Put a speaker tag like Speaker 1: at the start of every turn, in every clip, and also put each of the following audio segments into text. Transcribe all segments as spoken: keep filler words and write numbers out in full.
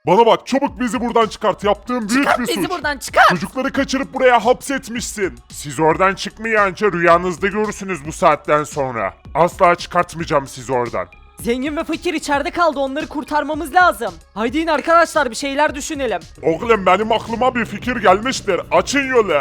Speaker 1: Bana bak, çabuk bizi buradan çıkart. Yaptığın büyük
Speaker 2: Çıkart
Speaker 1: bir
Speaker 2: bizi
Speaker 1: suç.
Speaker 2: buradan, çıkart.
Speaker 1: Çocukları kaçırıp buraya hapsetmişsin. Siz oradan çıkmayınca rüyanızda görürsünüz bu saatten sonra. Asla çıkartmayacağım sizi oradan.
Speaker 3: Zengin ve fakir içeride kaldı, onları kurtarmamız lazım. Haydi in arkadaşlar, bir şeyler düşünelim.
Speaker 1: Oğlum benim aklıma bir fikir gelmiştir. Açın yolu.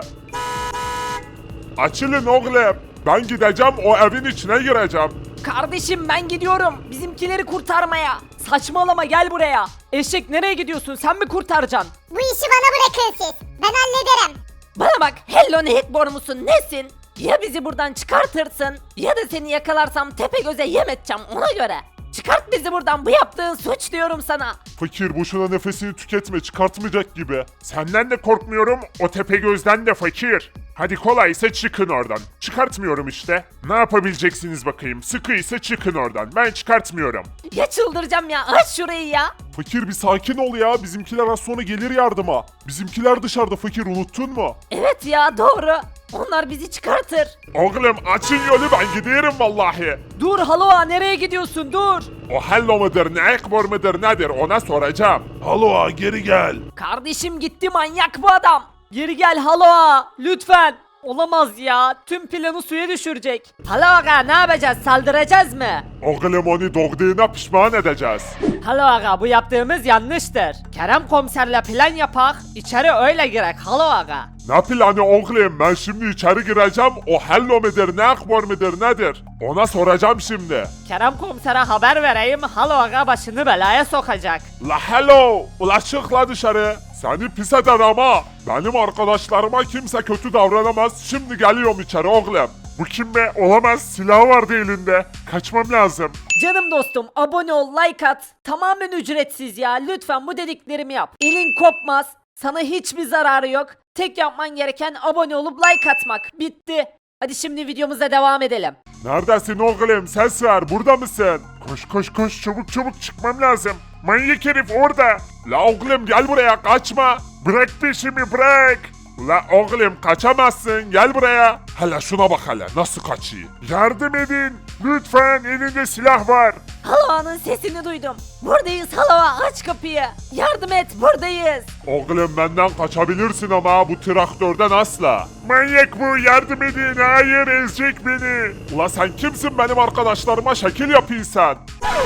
Speaker 1: Açılın oğlum. Ben gideceğim, o evin içine gireceğim.
Speaker 3: Kardeşim ben gidiyorum bizimkileri kurtarmaya. Saçmalama, gel buraya. Eşek nereye gidiyorsun, sen mi kurtaracaksın?
Speaker 4: Bu işi bana bırakın siz. Ben hallederim.
Speaker 2: Bana bak, Hello Neighbor musun nesin? Ya bizi buradan çıkartırsın ya da seni yakalarsam Tepegöz'e yem edeceğim ona göre. Çıkart bizi buradan, bu yaptığın suç diyorum sana.
Speaker 1: Fakir boşuna nefesini tüketme, çıkartmayacak gibi. Senden de korkmuyorum, o Tepegöz'den de fakir. Hadi kolaysa çıkın oradan. Çıkartmıyorum işte. Ne yapabileceksiniz bakayım? Sıkıysa çıkın oradan. Ben çıkartmıyorum.
Speaker 2: Ya çıldıracağım ya, aç şurayı ya.
Speaker 1: Fakir bir sakin ol ya. Bizimkiler az sonra gelir yardıma. Bizimkiler dışarıda fakir, unuttun mu?
Speaker 2: Evet ya, doğru. Onlar bizi çıkartır.
Speaker 1: Oğlum açın yolu, ben gidiyorum vallahi.
Speaker 3: Dur Haloa, nereye gidiyorsun, dur.
Speaker 1: O hello mudur, ne ekbor mudur nedir ona soracağım. Hallo geri gel.
Speaker 3: Kardeşim gitti, manyak bu adam. Geri gel Haloa, lütfen. Olamaz ya, tüm planı suya düşürecek.
Speaker 2: Hala aga, ne yapacağız, saldıracağız mı?
Speaker 1: Oğlum onu doğduğuna pişman edeceğiz.
Speaker 3: Halo aga, bu yaptığımız yanlıştır. Kerem komiserle plan yapak, içeri öyle girek Halo aga.
Speaker 1: Ne planı oğlum, ben şimdi içeri gireceğim, o hello mudur, ne ekbor mudur nedir? Ona soracağım şimdi.
Speaker 3: Kerem komisere haber vereyim, Halo aga başını belaya sokacak.
Speaker 1: La hello, ula çık la dışarı. Seni pis eder ama. Benim arkadaşlarıma kimse kötü davranamaz. Şimdi geliyorum içeri oğlum. Bu kim be? Olamaz, silahı vardı elinde. Kaçmam lazım.
Speaker 3: Canım dostum, abone ol, like at. Tamamen ücretsiz ya, lütfen bu dediklerimi yap. Elin kopmaz, sana hiçbir zararı yok. Tek yapman gereken abone olup like atmak. Bitti. Hadi şimdi videomuza devam edelim.
Speaker 1: Neredesin oğlum? Ses ver, burada mısın? Koş koş koş, çabuk çabuk çıkmam lazım. Manyak herif orada. La oğlum gel buraya, kaçma. Bırak peşimi, bırak. La oğlum kaçamazsın, gel buraya. Hele şuna bak hele, nasıl kaçıyor. Yardım edin. Lütfen, elinde silah var.
Speaker 2: Haloa'nın sesini duydum. Buradayız Haloa, aç kapıyı. Yardım et, buradayız.
Speaker 1: Oğlum benden kaçabilirsin ama bu traktörden asla. Manyak bu, yardım edin. Hayır, ezecek beni. Ula sen kimsin, benim arkadaşlarıma şekil yapıyorsan?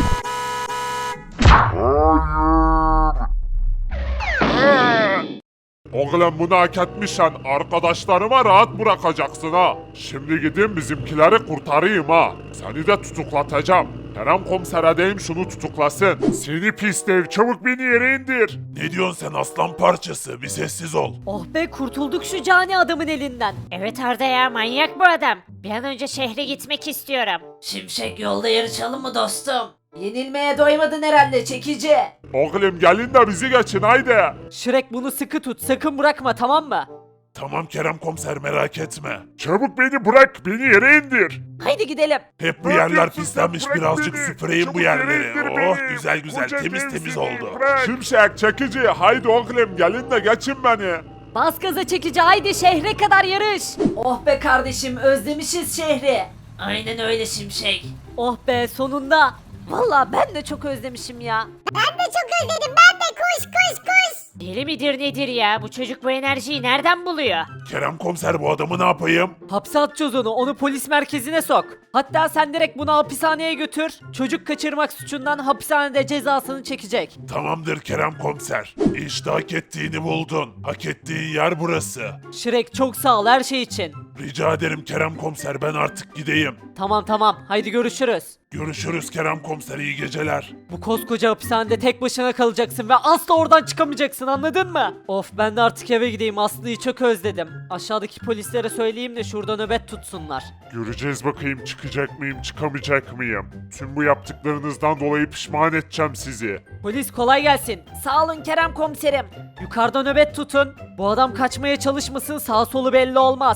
Speaker 1: Oğlum bunu hak etmişsen arkadaşlarıma rahat bırakacaksın ha. Şimdi gidin bizimkileri kurtarayım ha. Seni de tutuklatacağım. Kerem komisere deyim şunu tutuklasın. Seni pis dev, çabuk beni yere indir. Ne diyorsun sen aslan parçası, bir sessiz ol.
Speaker 3: Oh be, kurtulduk şu cani adamın elinden.
Speaker 5: Evet Arda ya, manyak bu adam. Bir an önce şehre gitmek istiyorum.
Speaker 2: Şimşek, yolda yarışalım mı dostum? Yenilmeye doymadın herhalde çekici.
Speaker 1: Oğlum gelin de bizi geçin haydi.
Speaker 3: Şirek bunu sıkı tut, sakın bırakma, tamam mı?
Speaker 1: Tamam Kerem komiser, merak etme. Çabuk beni bırak, beni yere indir.
Speaker 2: Haydi gidelim.
Speaker 6: Hep bu
Speaker 1: Ne
Speaker 6: yerler
Speaker 1: yapıyorsun
Speaker 6: pislenmiş,
Speaker 1: sen? Bırak
Speaker 6: birazcık
Speaker 1: beni.
Speaker 6: süpüreyim bu
Speaker 1: Çabuk yere
Speaker 6: yerleri.
Speaker 1: indir
Speaker 6: Oh
Speaker 1: beni.
Speaker 6: güzel güzel,
Speaker 1: Koca
Speaker 6: temiz
Speaker 1: devsini
Speaker 6: temiz oldu.
Speaker 1: bırak. Şimşek, çekici, haydi oğlum gelin de geçin beni.
Speaker 3: Bas gaza çekici, haydi şehre kadar yarış.
Speaker 2: Oh be kardeşim, özlemişiz şehri. Aynen öyle Şimşek.
Speaker 3: Oh be, sonunda.
Speaker 2: Vallahi ben de çok özlemişim ya.
Speaker 4: Ben de çok özledim. Ben de koş koş koş.
Speaker 5: Deli midir nedir ya? Bu çocuk bu enerjiyi nereden buluyor?
Speaker 6: Kerem komiser, bu adamı ne yapayım?
Speaker 3: Hapse atacağız onu, onu polis merkezine sok. Hatta sen direkt bunu hapishaneye götür. Çocuk kaçırmak suçundan hapishanede cezasını çekecek.
Speaker 6: Tamamdır Kerem komiser. İşte hak ettiğini buldun. Hak ettiğin yer burası.
Speaker 3: Şirek çok sağ ol her şey için.
Speaker 6: Rica ederim Kerem komiser, ben artık gideyim.
Speaker 3: Tamam tamam, haydi görüşürüz.
Speaker 6: Görüşürüz Kerem komiser, iyi geceler.
Speaker 3: Bu koskoca hapishanede tek başına kalacaksın ve asla oradan çıkamayacaksın, anladın mı? Of, ben de artık eve gideyim, Aslı'yı çok özledim. Aşağıdaki polislere söyleyeyim de şurada nöbet tutsunlar.
Speaker 1: Göreceğiz bakayım, çıkacak mıyım, çıkamayacak mıyım? Tüm bu yaptıklarınızdan dolayı pişman edeceğim sizi.
Speaker 3: Polis kolay gelsin.
Speaker 2: Sağ olun Kerem komiserim.
Speaker 3: Yukarıda nöbet tutun. Bu adam kaçmaya çalışmasın, sağ solu belli olmaz.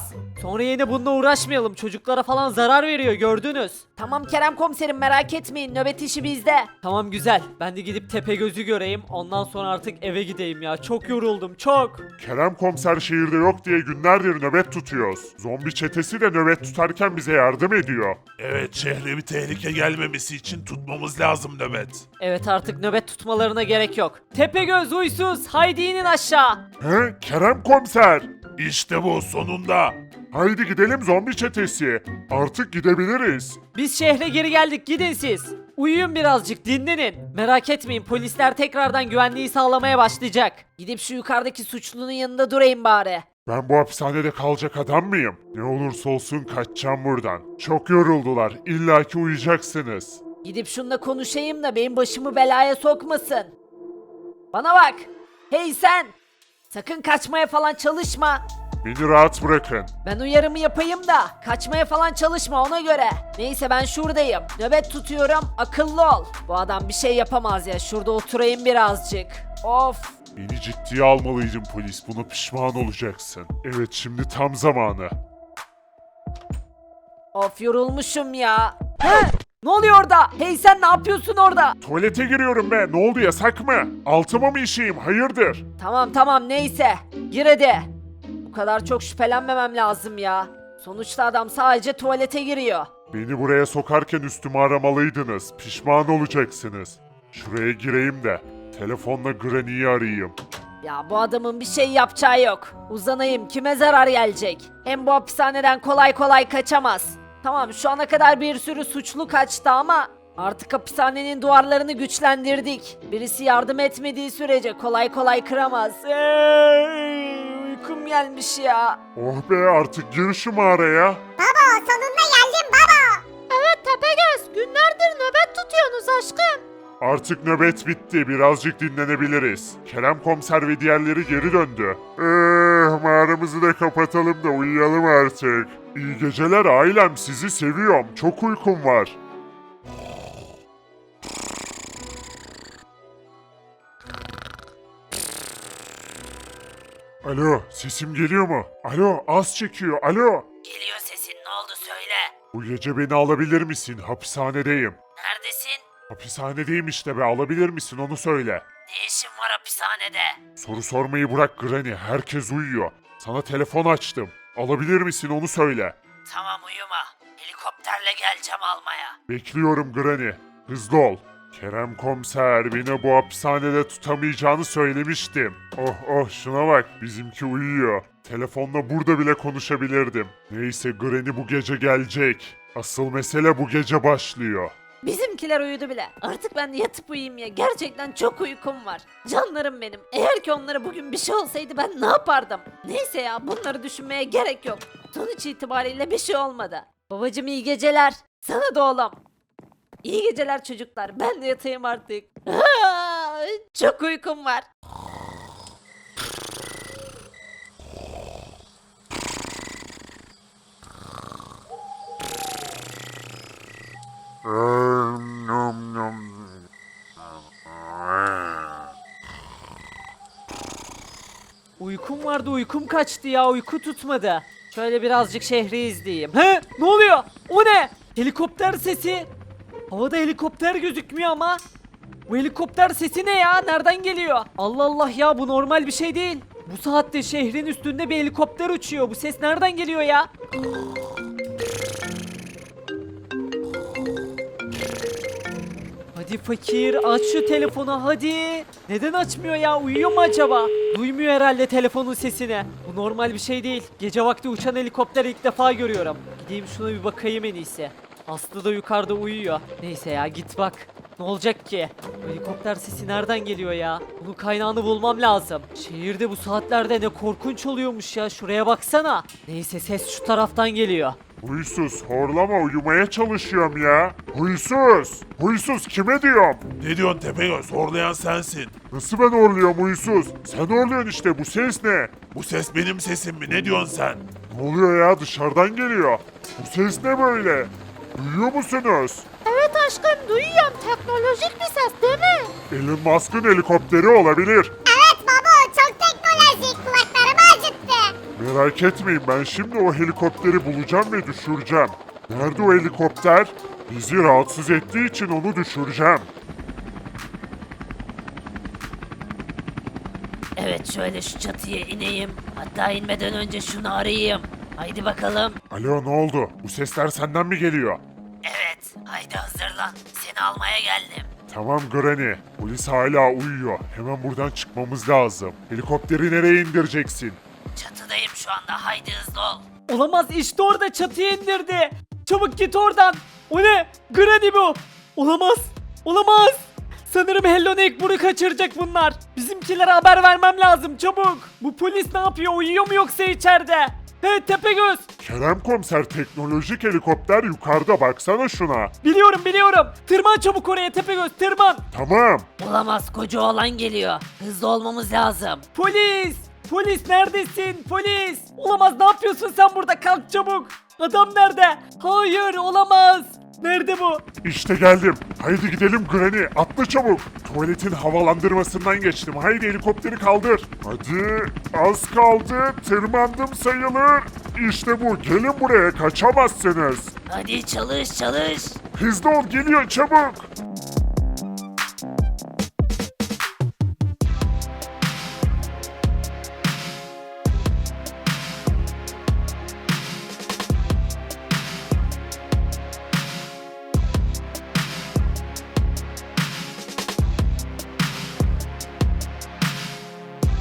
Speaker 3: Sonra yine bununla uğraşmayalım. Çocuklara falan zarar veriyor gördünüz. Tamam Kerem komiserim merak etmeyin nöbet işi bizde. Tamam güzel. Ben de gidip Tepegöz'ü göreyim. Ondan sonra artık eve gideyim ya. Çok yoruldum çok.
Speaker 1: Kerem komiser şehirde yok diye günlerdir nöbet tutuyoruz. Zombi çetesi de nöbet tutarken bize yardım ediyor.
Speaker 6: Evet, şehre bir tehlike gelmemesi için tutmamız lazım nöbet.
Speaker 3: Evet artık nöbet tutmalarına gerek yok. Tepegöz huysuz haydi inin aşağı.
Speaker 1: He, Kerem komiser.
Speaker 6: İşte bu, sonunda.
Speaker 1: Haydi gidelim zombi çetesi. Artık gidebiliriz.
Speaker 3: Biz şehre geri geldik gidin siz. Uyuyun birazcık dinlenin. Merak etmeyin polisler tekrardan güvenliği sağlamaya başlayacak. Gidip şu yukarıdaki suçlunun yanında durayım bari.
Speaker 1: Ben bu hapishanede kalacak adam mıyım? Ne olursa olsun kaçacağım buradan. Çok yoruldular. İlla ki uyuyacaksınız.
Speaker 3: Gidip şununla konuşayım da benim başımı belaya sokmasın. Bana bak. Hey sen. Sakın kaçmaya falan çalışma.
Speaker 1: Beni rahat bırakın.
Speaker 3: Ben uyarımı yapayım da kaçmaya falan çalışma ona göre. Neyse ben şuradayım. Nöbet tutuyorum. Akıllı ol. Bu adam bir şey yapamaz ya. Şurada oturayım birazcık. Of.
Speaker 1: Beni ciddiye almalıydın polis. Buna pişman olacaksın. Evet şimdi tam zamanı.
Speaker 3: Of yorulmuşum ya. He? Ne oluyor orada? Hey sen ne yapıyorsun orada?
Speaker 1: Tuvalete giriyorum be. Ne oldu yasak mı? Altıma mı işeyim? Hayırdır?
Speaker 3: Tamam tamam neyse. Gir hadi. Bu kadar çok şüphelenmemem lazım ya. Sonuçta adam sadece tuvalete giriyor.
Speaker 1: Beni buraya sokarken üstümü aramalıydınız. Pişman olacaksınız. Şuraya gireyim de telefonla Granny'yi arayayım.
Speaker 3: Ya bu adamın bir şey yapacağı yok. Uzanayım kime zarar gelecek? Hem bu hapishaneden kolay kolay kaçamaz. Tamam şu ana kadar bir sürü suçlu kaçtı ama artık hapishanenin duvarlarını güçlendirdik. Birisi yardım etmediği sürece kolay kolay kıramaz. Ey, uykum gelmiş ya.
Speaker 1: Oh be artık gir şu mağaraya.
Speaker 4: Baba sonunda geldim baba.
Speaker 2: Evet Tepegöz, günlerdir nöbet tutuyorsunuz aşkım.
Speaker 1: Artık nöbet bitti. Birazcık dinlenebiliriz. Kerem komiser ve diğerleri geri döndü. Eh, mağaramızı da kapatalım da uyuyalım artık. İyi geceler ailem. Sizi seviyorum. Çok uykum var. Alo, sesim geliyor mu? Alo, az çekiyor. Alo.
Speaker 3: Geliyor sesin ne oldu söyle.
Speaker 1: Bu gece beni alabilir misin? Hapishanedeyim.
Speaker 3: Neredesin?
Speaker 1: Hapishanedeyim işte be. Alabilir misin? Onu söyle.
Speaker 3: Ne işin var hapishanede?
Speaker 1: Soru sormayı bırak Granny. Herkes uyuyor. Sana telefon açtım. Alabilir misin onu söyle.
Speaker 3: Tamam uyuma. Helikopterle geleceğim almaya.
Speaker 1: Bekliyorum Granny. Hızlı ol. Kerem komiser beni bu hapishanede tutamayacağını söylemiştim. Oh oh şuna bak bizimki uyuyor. Telefonla burada bile konuşabilirdim. Neyse Granny bu gece gelecek. Asıl mesele bu gece başlıyor.
Speaker 2: Bizimkiler uyudu bile. Artık ben de yatıp uyuyayım ya. Gerçekten çok uykum var. Canlarım benim. Eğer ki onlara bugün bir şey olsaydı ben ne yapardım? Neyse ya bunları düşünmeye gerek yok. Sonuç itibariyle bir şey olmadı. Babacım iyi geceler. Sana da oğlum. İyi geceler çocuklar. Ben de yatayım artık. Aa, çok uykum var.
Speaker 3: Uykum vardı uykum kaçtı ya uyku tutmadı. Şöyle birazcık şehri izleyeyim. He? Ne oluyor? O ne? Helikopter sesi. Havada helikopter gözükmüyor ama. Bu helikopter sesi ne ya? Nereden geliyor? Allah Allah ya bu normal bir şey değil. Bu saatte şehrin üstünde bir helikopter uçuyor. Bu ses nereden geliyor ya? Hadi fakir aç şu telefonu hadi. Neden açmıyor ya uyuyor mu acaba? Duymuyor herhalde telefonun sesini. Bu normal bir şey değil. Gece vakti uçan helikopter ilk defa görüyorum. Gideyim şuna bir bakayım en iyisi. Aslı da yukarıda uyuyor. Neyse ya git bak. Ne olacak ki? Bu helikopter sesi nereden geliyor ya? Bunun kaynağını bulmam lazım. Şehirde bu saatlerde ne korkunç oluyormuş ya. Şuraya baksana. Neyse ses şu taraftan geliyor.
Speaker 1: Huysuz horlama uyumaya çalışıyorum ya. Huysuz. Huysuz kime diyorum?
Speaker 6: Ne diyorsun Tepegöz? Horlayan sensin.
Speaker 1: Nasıl ben horluyorum huysuz? Sen horluyorsun işte bu ses ne?
Speaker 6: Bu ses benim sesim mi? Ne diyorsun sen?
Speaker 1: Ne oluyor ya dışarıdan geliyor. Bu ses ne böyle? Duyuyor musunuz?
Speaker 2: Evet aşkım duyuyorum. Teknolojik bir ses değil mi?
Speaker 1: Elon Musk'ın helikopteri olabilir.
Speaker 4: Evet baba çok teknolojik kulaklarımı acıttı.
Speaker 1: Merak etmeyin, ben şimdi o helikopteri bulacağım ve düşüreceğim. Nerede o helikopter? Bizi rahatsız ettiği için onu düşüreceğim.
Speaker 2: Evet, şöyle şu çatıya ineyim. Hatta inmeden önce şunu arayayım. Haydi bakalım.
Speaker 1: Alo, ne oldu? Bu sesler senden mi geliyor?
Speaker 2: Evet, haydi hazırlan. Seni almaya geldim.
Speaker 1: Tamam Granny, polis hala uyuyor. Hemen buradan çıkmamız lazım. Helikopteri nereye indireceksin?
Speaker 2: Çatıdayım şu anda, haydi hızlı ol.
Speaker 3: Olamaz, işte orada çatıya indirdi. Çabuk git oradan. O ne? Granny bu. Olamaz. Olamaz. Sanırım Hello Neighbor'u kaçıracak bunlar. Bizimkilere haber vermem lazım çabuk. Bu polis ne yapıyor? Uyuyor mu yoksa içeride? He Tepegöz.
Speaker 1: Kerem komiser, teknolojik helikopter yukarıda, baksana şuna.
Speaker 3: Biliyorum biliyorum. Tırman çabuk oraya Tepegöz, tırman.
Speaker 1: Tamam.
Speaker 2: Olamaz, koca oğlan geliyor. Hızlı olmamız lazım.
Speaker 3: Polis. Polis neredesin? Polis. Olamaz, ne yapıyorsun sen burada? Kalk çabuk. Adam nerede? Hayır, olamaz. Nerede bu?
Speaker 1: İşte geldim. Haydi gidelim Granny. Atla çabuk. Tuvaletin havalandırmasından geçtim. Haydi helikopteri kaldır. Hadi. Az kaldı. Tırmandım sayılır. İşte bu. Gelin buraya. Kaçamazsınız.
Speaker 2: Hadi çalış çalış.
Speaker 1: Hızlı ol, geliyor çabuk.